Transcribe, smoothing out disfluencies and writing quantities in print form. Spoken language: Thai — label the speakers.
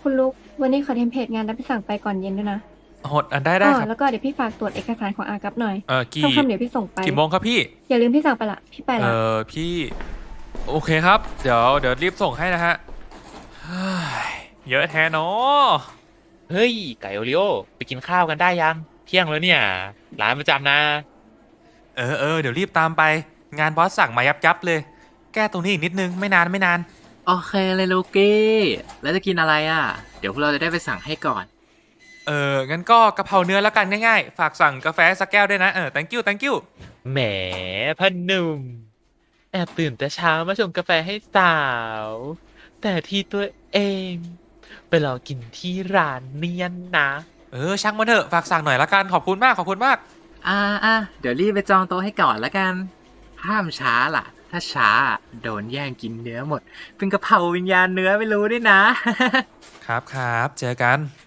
Speaker 1: คุณลุกวันนี้ขอเทมเพลตงานรับไปสั่งไปก่อนเย็นด้วยนะ
Speaker 2: โหดได้ครับ
Speaker 1: แล้วก็เดี๋ยวพี่ฝากตรวจเอกสารของอากับหน่อย
Speaker 2: กี่
Speaker 1: ค่ำๆเดี๋ยวพี่ส่งไป
Speaker 2: โมงครับพี่
Speaker 1: อย่าลืมพี่สั่งไปละพี่ไปละ
Speaker 2: พี่โอเคครับเดี๋ยวรีบส่งให้นะฮะเฮ้ยเยอะแท้เนาะ
Speaker 3: เฮ้ยไก่โอริโอไปกินข้าวกันได้ยังเที่ยงแล้วเนี่ยร้านประจำนะ
Speaker 2: เดี๋ยวรีบตามไปงานบอสสั่งมายับเลยแก้ตรงนี้อีกนิดนึงไม่นานไม่นาน
Speaker 4: โอเคเลยลูกี้แล้วจะกินอะไรอ่ะเดี๋ยวพวกเราจะได้ไปสั่งให้ก่อน
Speaker 2: งั้นก็กะเพราเนื้อแล้วกันง่ายๆฝากสั่งกาแฟสักแก้วด้วยนะthank you
Speaker 3: แหมพ่อหนุ่มแอบตื่นแต่เช้ามาชงกาแฟให้สาวแต่ที่ตัวเองไปรอกินที่ร้านเนียนนะ
Speaker 2: ช่างมันเถอะฝากสั่งหน่อยละกันขอบคุณมากขอบคุณมาก
Speaker 4: เดี๋ยวรีบไปจองโต๊ะให้ก่อนแล้วกันห้ามช้าล่ะถ้าช้าโดนแย่งกินเนื้อหมดเป็นกะเพราวิญญาณเนื้อไม่รู้ด้วยนะ
Speaker 2: ครับเจอกัน